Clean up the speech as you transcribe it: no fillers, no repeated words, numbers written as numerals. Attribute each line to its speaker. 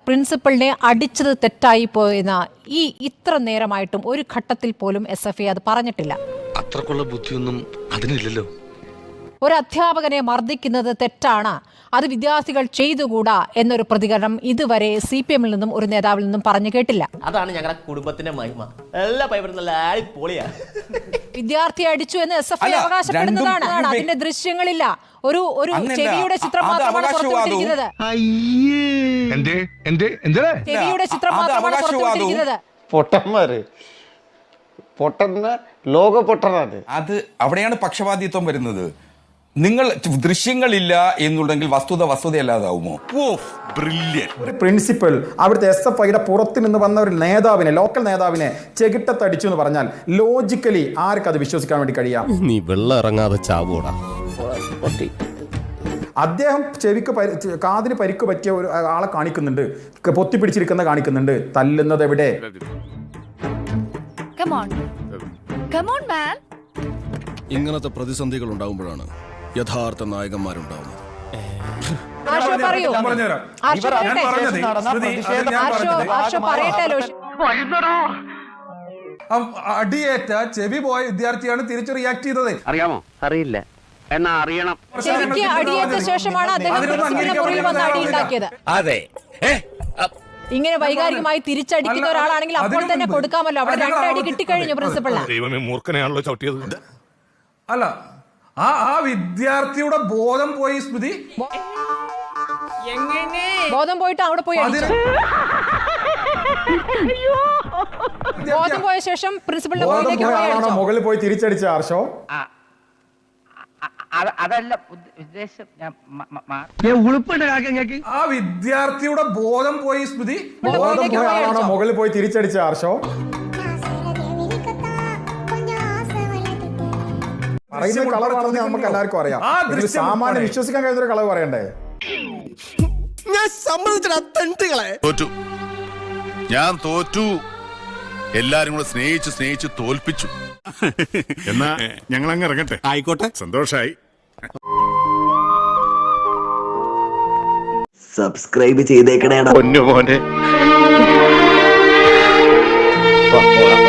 Speaker 1: പ്രിൻസിപ്പലിനെ അടിച്ചത് തെറ്റായി പോയെന്ന ഇത്ര നേരമായിട്ടും ഒരു ഘട്ടത്തിൽ പോലും SFI അത് പറഞ്ഞിട്ടില്ല.
Speaker 2: അത്രക്കുള്ള ബുദ്ധിയൊന്നും അതിനില്ലല്ലോ.
Speaker 1: ഒരു അധ്യാപകനെ മർദ്ദിക്കുന്നത് തെറ്റാണ്, അത് വിദ്യാർത്ഥികൾ ചെയ്തുകൂടാ എന്നൊരു പ്രതികരണം ഇതുവരെ CPM-ൽ നിന്നും ഒരു നേതാവിൽ നിന്നും പറഞ്ഞു കേട്ടില്ല.
Speaker 3: അതാണ് ഞങ്ങളുടെ കുടുംബത്തിന്റെ മഹിമ. എല്ലാ പൈപ്പറും നല്ല അടിപൊളിയാ.
Speaker 1: വിദ്യാർത്ഥിയെ അടിച്ചു എന്ന് SFI അവകാശപ്പെടുന്നതാണ്. അതിന്റെ ദൃശ്യങ്ങളില്ല, ഒരു ചെവിയുടെ ചിത്രം മാത്രമാണ് പുറത്തുവിട്ടിരിക്കുന്നത്. ചെവിയുടെ ചിത്രം മാത്രമാണ് പുറത്തുവിട്ടിരിക്കുന്നത്.
Speaker 4: ലോക പൊട്ടനാണ്
Speaker 5: അത്. അവിടെയാണ് പക്ഷപാതിത്വം വരുന്നത്. നിങ്ങൾ ദൃശ്യങ്ങളില്ല എന്നുണ്ടെങ്കിൽ വസ്തുതയല്ലാതാവുമോ?
Speaker 6: ഒരു പ്രിൻസിപ്പൽ അവിടുത്തെ SFIയുടെ പുറത്ത് നിന്ന് വന്ന ഒരു നേതാവിനെ, ലോക്കൽ നേതാവിനെ ചെകിട്ടത്തടിച്ചു എന്ന് പറഞ്ഞാൽ ലോജിക്കലി ആർക്കത് വിശ്വസിക്കാൻ വേണ്ടി കഴിയാം?
Speaker 7: നീ വെള്ളം ഇറങ്ങാതെ ചാവൂടാ.
Speaker 6: അദ്ദേഹം കാതിന് പരിക്ക് പറ്റിയ ഒരു ആളെ കാണിക്കുന്നുണ്ട്, പൊത്തിപ്പിടിച്ചിരിക്കുന്ന കാണിക്കുന്നുണ്ട്. തല്ലുന്നത് എവിടെ?
Speaker 7: ഇങ്ങനത്തെ പ്രതിസന്ധികൾ ഉണ്ടാകുമ്പോഴാണ് യഥാർത്ഥ നായകന്മാരുണ്ടാവുന്നത്.
Speaker 6: അടിയേറ്റ ചെവി പോയ വിദ്യാർത്ഥിയാണ് തിരിച്ചു റിയാക്ട് ചെയ്തത്.
Speaker 8: അറിയാമോ? അറിയില്ല, എന്നാ അറിയണം.
Speaker 1: ചെവിക്ക് അടിയേറ്റ ശേഷമാണ് അദ്ദേഹം പ്രിൻസിപ്പലിന്റെ മുറിയിൽ വന്ന് അടിയുണ്ടാക്കിയത്.
Speaker 2: അതെ,
Speaker 1: ഇങ്ങനെ വൈകാരികമായി തിരിച്ചടിക്കുന്ന ഒരാളാണെങ്കിൽ അപ്പോൾ തന്നെ കൊടുക്കാമല്ലോ. അവിടെ 2 അടി കിട്ടിക്കഴിഞ്ഞു പ്രിൻസിപ്പലിന്.
Speaker 2: മൂർഖനെയാണല്ലോ ചവിട്ടിയത്.
Speaker 6: അല്ല, ആ വിദ്യാർത്ഥിയുടെ ബോധം പോയി. സ്മൃതി
Speaker 1: ബോധം പോയിട്ട് അവിടെ പോയി അടിച്ചു. ബോധം പോയ ശേഷം പ്രിൻസിപ്പലിന്റെ
Speaker 6: മുകളിൽ പോയി തിരിച്ചടിച്ച ആർഷോ.
Speaker 8: അതല്ല ഉദ്ദേശം.
Speaker 6: ആ വിദ്യാർത്ഥിയുടെ ബോധം പോയി. സ്മൃതി ബോധം പോയാണോ മുകളിൽ പോയി തിരിച്ചടിച്ച ആർഷോ? പറയുന്ന കളറാണെന്ന് നമുക്ക് എല്ലാവർക്കും അറിയാം. സാമാന്യം വിശ്വസിക്കാൻ കഴിയുന്ന ഒരു കളവ് പറയണ്ടേ?
Speaker 9: ഞാൻ തോറ്റു. എല്ലാരും കൂടെ സ്നേഹിച്ച് തോൽപ്പിച്ചു. എന്നാ ഞങ്ങൾ അങ്ങ് ഇറങ്ങട്ടെ. ആയിക്കോട്ടെ, സന്തോഷായി.
Speaker 4: സബ്സ്ക്രൈബ് ചെയ്തേക്കണേടാ പൊന്നു മോനെ.